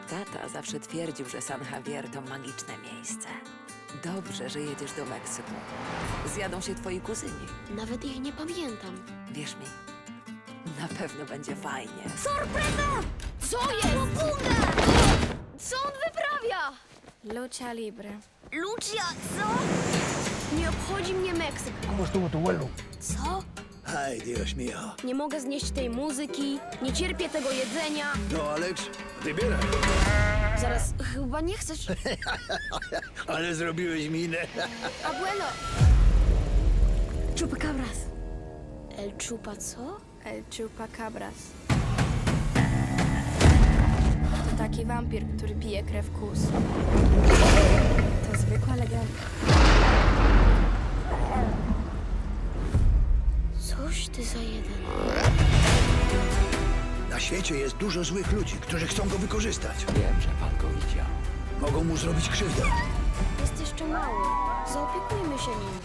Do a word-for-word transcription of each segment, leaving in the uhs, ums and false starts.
Tata zawsze twierdził, że San Javier to magiczne miejsce. Dobrze, że jedziesz do Meksyku. Zjadą się twoi kuzyni. Nawet ich nie pamiętam. Wierz mi, na pewno będzie fajnie. Sorpresa! Co jest? Co on wyprawia? Lucha libre. Lucia, co? Nie obchodzi mnie Meksyk. ¿Cómo estuvo tu vuelo? Co? Ay, Dios mío. Nie mogę znieść tej muzyki, nie cierpię tego jedzenia. No, Alex, wybieraj. Zaraz, chyba nie chcesz... Ale zrobiłeś minę. Abuelo! Chupacabras. El chupa co? El chupacabras. To taki wampir, który pije krew kus. To zwykła legenda. Coś ty za jeden. Na świecie jest dużo złych ludzi, którzy chcą go wykorzystać. Wiem, że pan go widział. Mogą mu zrobić krzywdę. Jest jeszcze mały. Zaopiekujmy się nim.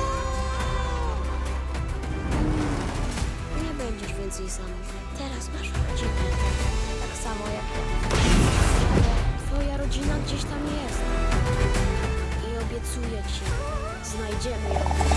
Nie będziesz więcej sam. Teraz masz rodzinę. Tak samo jak ja. Twoja rodzina gdzieś tam jest. I obiecuję ci, znajdziemy ją.